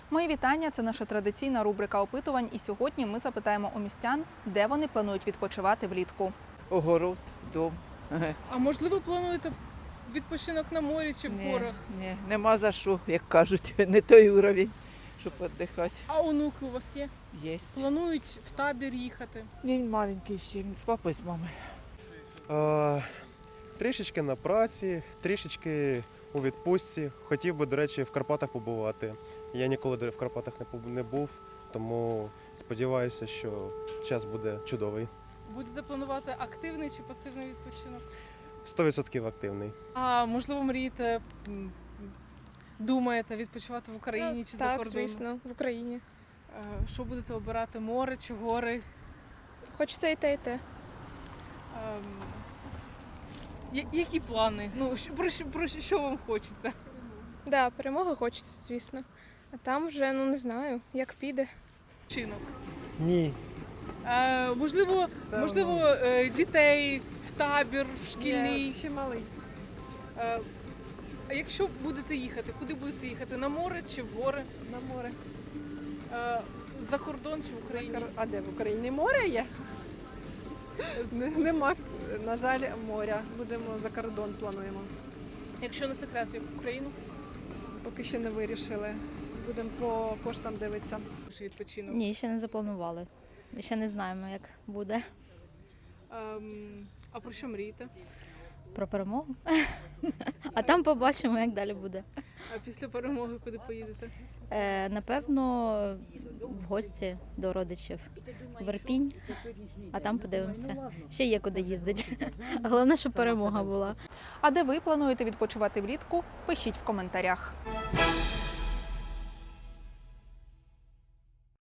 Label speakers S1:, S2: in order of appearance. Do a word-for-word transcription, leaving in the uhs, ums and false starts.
S1: Мої вітання – це наша традиційна рубрика опитувань. І сьогодні ми запитаємо у містян, де вони планують відпочивати влітку.
S2: Огород, дом.
S3: А можливо, плануєте відпочинок на морі чи в
S2: Ні,
S3: горах?
S2: ні, нема за що, як кажуть, не той уровень, щоб віддихати.
S3: А онуки у вас є?
S2: Є.
S3: Планують в табір їхати?
S2: Ні, він маленький ще, він з папою, з мамою.
S4: А, трішечки на праці, трішечки у відпустці. Хотів би, до речі, в Карпатах побувати. Я ніколи в Карпатах не побу- не був, тому сподіваюся, що час буде чудовий.
S3: Будете планувати активний чи пасивний відпочинок?
S4: сто відсотків активний.
S3: А можливо, мрієте, м, думаєте відпочивати в Україні чи за
S5: Так,
S3: кордоном?
S5: звісно, в Україні.
S3: Е, Що будете обирати, море чи гори?
S5: Хочеться і те, і те.
S3: Ем, я- Які плани? Ну, що- про, що- про що вам хочеться?
S5: Да, перемога хочеться, звісно. А там вже, ну не знаю, як піде.
S3: Чинок.
S4: Ні.
S3: Е, можливо, можливо, е, дітей в табір, в шкільний.
S6: Ще малий.
S3: Е, А якщо будете їхати, куди будете їхати? На море чи в гори?
S6: На море.
S3: Е, За кордон чи в Україні?
S6: А де в Україні море є? З- Нема, на жаль, моря. Будемо за кордон плануємо.
S3: Якщо не секрет, в Україну?
S6: Поки ще не вирішили. Будемо по коштам дивитися.
S3: Чи відпочинок?
S7: Ні, ще не запланували. Ще не знаємо, як буде.
S3: Ем, а про що мрієте?
S7: Про перемогу. А там побачимо, як далі буде.
S3: А після перемоги куди поїдете?
S7: Е, напевно, в гості до родичів в Ірпінь, а там подивимося. Ще є куди їздити. Головне, щоб перемога була.
S1: А де ви плануєте відпочивати влітку? Пишіть в коментарях.